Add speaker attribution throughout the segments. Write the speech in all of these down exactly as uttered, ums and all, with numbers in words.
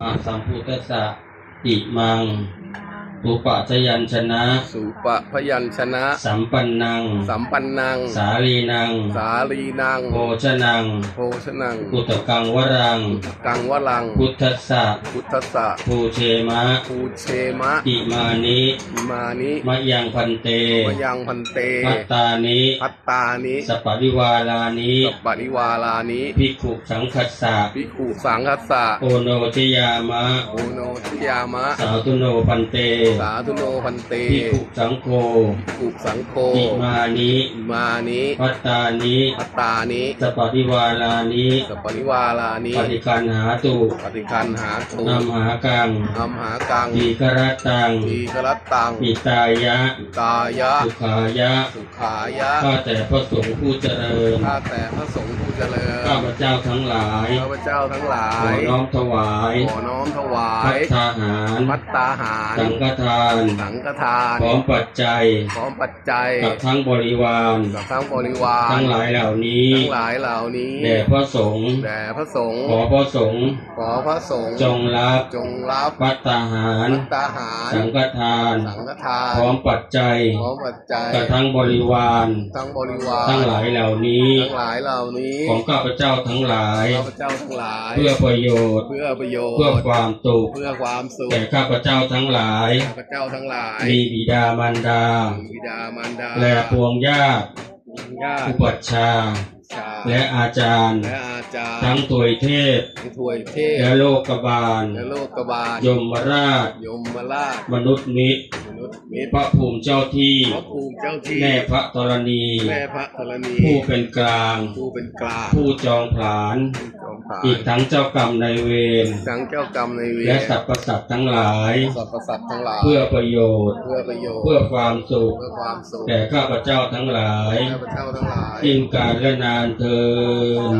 Speaker 1: สัมพุทธัสสะอิมังสุปะชยัญชนะ
Speaker 2: สุปะพยัญชนะ
Speaker 1: สัมปันนัง
Speaker 2: สัมปันนัง
Speaker 1: สาลีนัง
Speaker 2: สาลีนัง
Speaker 1: โภชนัง
Speaker 2: โภชนัง
Speaker 1: กุตกังวรัง
Speaker 2: กังวลัง
Speaker 1: พุทธัสสะ
Speaker 2: พุทธัสสะ
Speaker 1: ภูเชมะ
Speaker 2: ภูเชมะ
Speaker 1: อิมานิ
Speaker 2: อิมานิ
Speaker 1: มะยังพันเต
Speaker 2: มะยังพันเต
Speaker 1: พัตตานิ
Speaker 2: พัตตานิ
Speaker 1: สัปปะริวาลานิ
Speaker 2: สัปปะริวาลานิ
Speaker 1: ภิกขุสังคัสสะ
Speaker 2: ภิกขุสังคัสสะ
Speaker 1: โอโนชยามะ
Speaker 2: โอโนชยามะ
Speaker 1: สาธุโนพันเต
Speaker 2: สาธุโนพันเต
Speaker 1: ภิกขุสังโฆ
Speaker 2: ภิกขุสังโฆ
Speaker 1: อิมานิ
Speaker 2: อิมานิ
Speaker 1: พัตตานิ
Speaker 2: พัตตานิ
Speaker 1: สัปปะริวาลานิ
Speaker 2: สัปปะริวาลานิ
Speaker 1: ปฏิคันหาตุ
Speaker 2: ปฏิคันหาตุ
Speaker 1: นัมหากัง
Speaker 2: นัมหากัง
Speaker 1: ทีกรัตตัง
Speaker 2: ทีกรัตตัง
Speaker 1: ปิตายะ
Speaker 2: ปิตายะ
Speaker 1: สุขายะ
Speaker 2: สุขายะ
Speaker 1: ข้าแต่พระสงฆ์ผู้เจริญ
Speaker 2: ข้าแต่พระสงฆ์ผู้เจริญ
Speaker 1: ข้าพเจ้าทั้งหลาย
Speaker 2: ข้าพเจ้าทั้งหลาย
Speaker 1: ขอน้อมถวาย
Speaker 2: ขอน้อมถวา
Speaker 1: ภั
Speaker 2: ย
Speaker 1: ตตาหาร
Speaker 2: ภัตตาหาร
Speaker 1: สังฆทาน
Speaker 2: สังฆทาน
Speaker 1: พร้อมปัจจัย
Speaker 2: พร้อมปัจจัย
Speaker 1: กับทั้งบริวาร
Speaker 2: กับทั้งบริวาร
Speaker 1: ทั้งหลายเหล่านี้
Speaker 2: ทั้งหลายเหล่านี้
Speaker 1: แด่พระสงฆ์
Speaker 2: แด่พระสงฆ์
Speaker 1: ขอพระสงฆ์
Speaker 2: ขอพระสงฆ์
Speaker 1: จงรับ
Speaker 2: จงรับ
Speaker 1: ภัตตาหาร
Speaker 2: ภัตตาหาร
Speaker 1: สังฆทาน
Speaker 2: สังฆทาน
Speaker 1: พร้อมปัจจัย
Speaker 2: พร้อมปัจจัย
Speaker 1: กับทั้งบริวาร
Speaker 2: ทั้งบริวาร
Speaker 1: ทั้งหลายเหล่านี้
Speaker 2: ทั้งหลายเหล่านี้
Speaker 1: ของข้าพเจ้าทั้งหลาย
Speaker 2: ข้าพเจ้าทั้งหลาย
Speaker 1: เพื่อประโยชน์
Speaker 2: เพื่อประโยชน์
Speaker 1: เพื่อความสุข
Speaker 2: เพื่อความสุข
Speaker 1: แก่ข้าพเจ้าทั้งหลาย
Speaker 2: ข้าพเจ้าทั้งหลาย
Speaker 1: มีบิดามารดา
Speaker 2: บิดามารดา
Speaker 1: และพวงญาติอุปัชฌาย์และอาจารย์ทั้งถวยเทพและโลกบาลยมราชมนุษย์มิตรพระภูมิเจ้าที่แม่พระธรณีผู้เป็นกลางผู้จองผลาญอีกทั้งเจ้ากรรมนายเวรและสรรพสัตว์ทั้งหลายเพื่อประโยชน์เพื่อความสุขแก่ข้าพเจ้าทั้งหลายยิ่งการและนานเทิน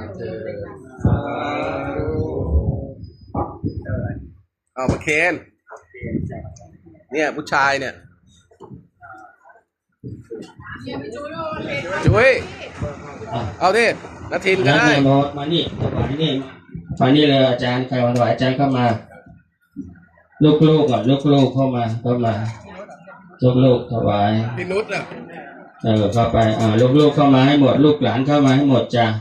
Speaker 2: เอามาเคนเนี่ยผู้ชายเนี่ยจุ้ยเอาดินาทินก็ได้
Speaker 1: มานี่มานี่มานี่เลยอาจารย์ใครวันไหวอาจารย์เข้ามาลูกๆก่อนลูกๆเข้ามาเข้ามาลูกๆถวาย
Speaker 2: พี่นุชอ่ะ
Speaker 1: เออเข้าไปอ่าลูกๆเข้ามาให้หมดลูกหลานเข้ามาให้หมดจ้ะ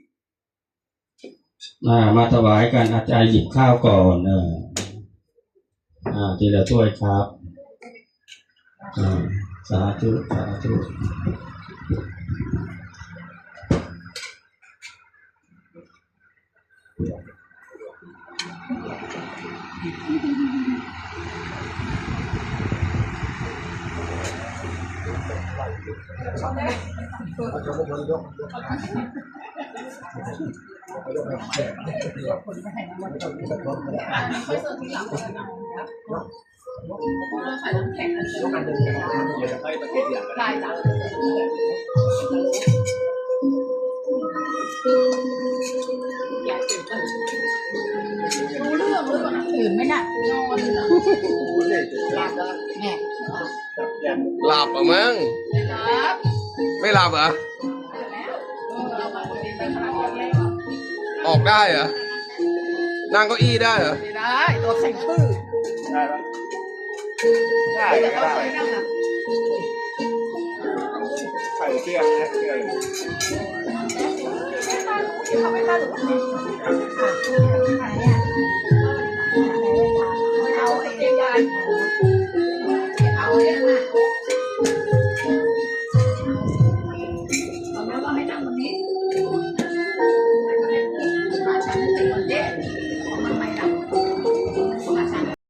Speaker 1: อ่ามาถวายกันอาจารย์หยิบข้าวก่อนเอออ่าทีละถ้วยครับอ่าสาธุสาธุ
Speaker 3: รู้เรื่องหรือเปล่าตื่นไหมน่ะนอนแม่
Speaker 2: หลับอ่ะมั้งไม่หลับเหรอออกได้เหรอนั่งเก้าอี้ได้เหรอ
Speaker 3: ได้ตัวแข็งชื่อได้ปะได้ได้
Speaker 2: ใส่เสื้อนะเสื้อ
Speaker 3: เขาไม่ได้หรือว่า